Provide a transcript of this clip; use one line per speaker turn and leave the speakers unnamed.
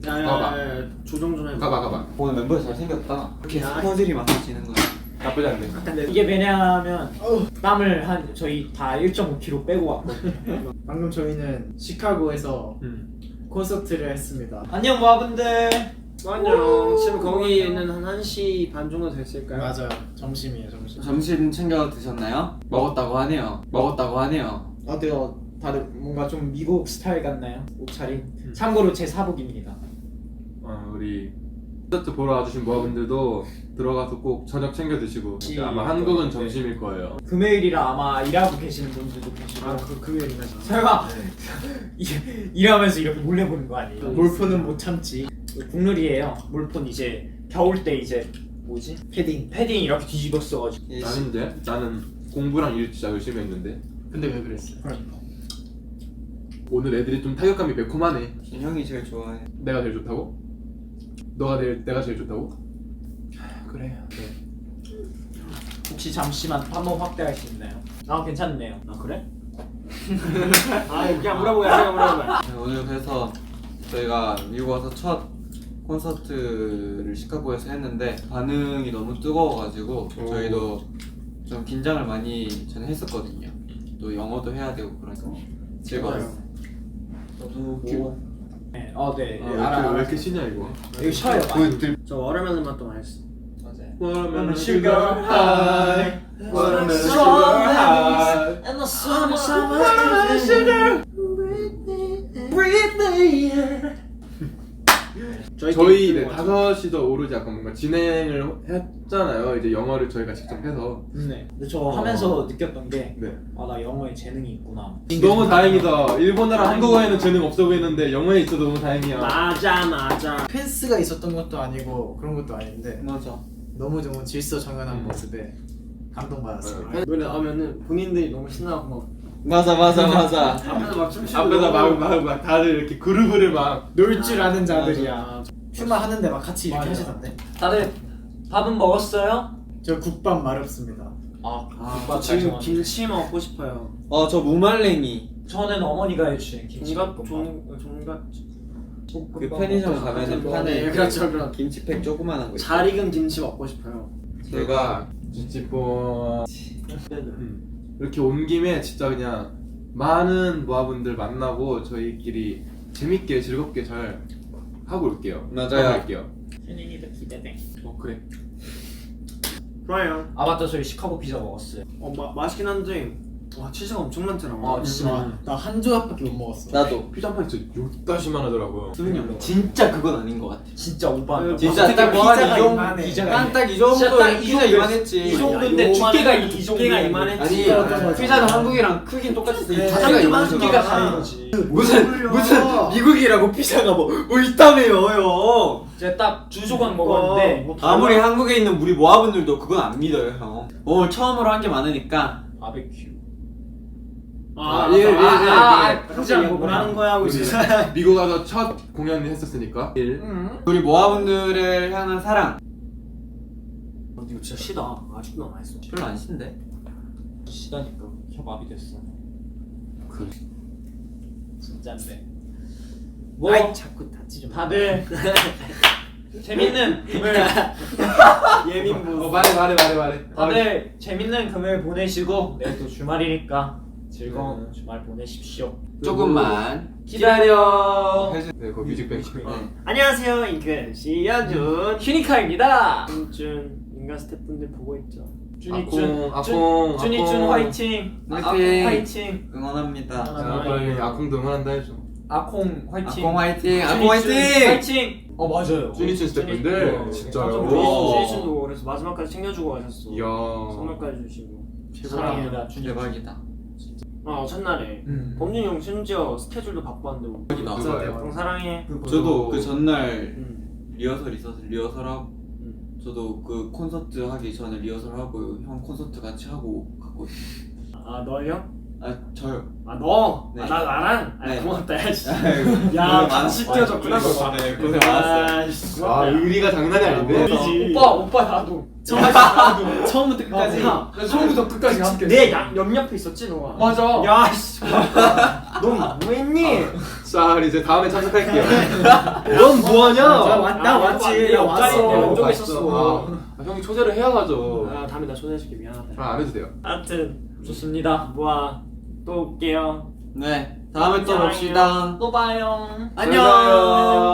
야야야 조정 좀 해봐.
가봐.
오늘 멤버 잘생겼다. 이렇게 스포들이 많아지는 거야.
나쁘지 않네.
근데
이게 왜냐하면 땀을 한 저희 다 1.5kg 빼고 왔거든요.
방금 저희는 시카고에서 콘서트를 했습니다.
안녕 모아분들.
안녕. 지금 거기는 한 1시 반 정도 됐을까요?
맞아요. 점심이에요, 점심.
점심 챙겨 드셨나요? 먹었다고 하네요.
어때요? 다들 뭔가 좀 미국 스타일 같나요? 옷차림? 참고로 제 사복입니다.
우리 콘서트 보러 와주신 모아분들도 들어가서 꼭 저녁 챙겨 드시고 아마 한국은 점심일 거예요.
금요일이라 아마 일하고 계시는 분들도 계시고
금요일인가
설마 일하면서 이렇게 몰래 보는 거 아니에요?
몰표는 못 참지.
국룰이에요. 몰폰 이제 겨울 때 이제 뭐지? 패딩 이렇게 뒤집어 써가지고.
나는 공부랑 일 진짜 열심히 했는데
근데 왜 그랬어요?
오늘 애들이 좀 타격감이 매콤하네.
형이 제일 좋아해.
내가 제일 좋다고? 내가 제일 좋다고?
그래.
혹시 잠시만 한번 확대할 수 있나요? 아 괜찮네요.
아 그래? 아 그냥 물어보야.
네, 오늘 그래서 저희가 미국 와서 첫 콘서트를 시카고에서 했는데 반응이 너무 뜨거워가지고 저희도 좀 긴장을 많이 저는 했었거든요. 또 영어도 해야 되고 그래서 즐거웠어요.
저도 뭐 네, 네.
왜 이렇게 쉬냐 이거?
이거 쉬어요 많이.
저 워터멜론 맛도 맛있어.
맞아요.
Watermelon
sugar
high, watermelon
strawberries
And the summer sugar.
저희 네, 5시도 오르지 약간 뭔가 진행을 했잖아요. 이제 영어를 저희가 직접 해서.
네. 근데 저 하면서 느꼈던 게
네.
나 영어에 재능이 있구나.
너무 다행이다. 일본어랑 한국어에는 재능 없어 보이는데 영어에 있어도 너무 다행이야.
맞아.
펜스가 있었던 것도 아니고 그런 것도 아닌데
맞아.
너무 질서정연한 모습에 감동받았어요.
노래 나오면은 본인들이 너무 신나고 막
맞아.
앞에서 막 춤추고
앞에서 막 다들 이렇게 그루브를 막
놀 줄 아는 자들이야.
맞아.
춤만 하는데 막 같이 이렇게
맞아.
하시던데.
다들 밥은 먹었어요?
저 국밥 마렵습니다.
저 지금 김치 먹고 싶어요.
저 무말랭이
저는 어머니가 해주신
종갓
김치볶음밥.
종갓
그 편의점 가면은 파는
네, 그렇죠.
김치팩 조그만한 거 있어.
잘 익은 김치 먹고 싶어요.
제가 찌찌뽕 이렇게 온 김에 진짜 그냥 많은 모아분들 만나고 저희끼리 재밌게 즐겁게 잘 하고 올게요.
맞아요.
할게요.
현인이도 기대돼.
그래.
좋아요.
아 맞다 저희 시카고 피자 먹었어요.
맛있긴 한데 와 치즈가 엄청 많잖아.
진짜.
나 한 조각밖에 못 먹었어.
나도.
피자 한 판이 진짜 요따시만 하더라고요.
진짜 그건 아닌 것 같아.
진짜 오빠.
진짜 딱
피자가
이 정도.
이만해.
딱이 정도.
진짜 딱이
피자
정도
이만했지.
이 정도인데 두께가 이 정도야.
이만했지.
아니 피자는 한국이랑 크긴 똑같았어.
가장
두께가
좀
두께가
이만해서.
다른 거지.
무슨 미국이라고 피자가 뭐 있다며요 형.
제가 딱 두 조각 먹었는데
아무리 한국에 있는 우리 모아분들도 그건 안 믿어요 형. 오늘 처음으로 한 게 많으니까.
바베큐.
포장 뭐 하는 거야 하고 진짜.
미국 가서 첫 공연을 했었으니까.
우리 모아분들을 향한 사랑.
이거 진짜 시다. 아직도 남아있어.
별로 안 신데.
시다니까 혀마비 됐어.
그래.
진짠데.
아이 자꾸 다치 좀.
다들 재밌는 금요일.
예민부.
말해.
다들 재밌는 금요일 보내시고 내일 또 주말이니까 즐거운 주말 보내십시오.
조금만
기다려.
네, 그 뮤직뱅크.
안녕하세요 인근 시연준
휴니카입니다.
준준 인간 스태프분들 보고 있죠.
아콩.
준이준 화이팅.
화이팅.
화이팅.
응원합니다.
자, 빨리 아콩도 응원한다 해줘.
아콩 화이팅.
아콩 화이팅. 아콩
준이준
화이팅.
화이팅. 맞아요.
준이춘 스태프분들 진짜요.
준이준도 그래서 마지막까지 챙겨주고 가셨어.
이야.
선물까지 주시고.
사랑합니다. 준이.
대박이다.
첫날에 범준이 형 심지어 스케줄도 바빴는데
대박이다.
누가요?
형 사랑해.
저도 그 전날
응.
리허설 있어서 리허설하고 저도 그 콘서트 하기 전에 리허설하고 형 콘서트 같이 하고 갔거든요.
너요?
아 저요.
아 너?
네.
아, 나랑? 아
네.
고맙다 야씨.
고생
야
많았어요.
같이 뛰어줬구나 너.
네, 고생 많았어요.
아이씨,
아
고맙다, 야.
의리가 장난이 아닌데.
의리지.
오빠 나도.
처음부터 끝까지.
나 처음부터 끝까지 함께. 내 옆옆에 있었지 너가.
맞아.
야씨. 너 뭐했니?
자 이제 다음에 참석할게요. 넌 뭐하냐?
나 왔지. 나 왔어.
왼쪽에
봤어.
있었어.
아, 형이 초대를 해야 가죠.
아 다음에 나 초대해줄게 미안하다.
아, 안 해도 돼요.
하여튼 좋습니다. 모아 또 올게요.
네. 다음에 또 봅시다.
또 봐요.
안녕.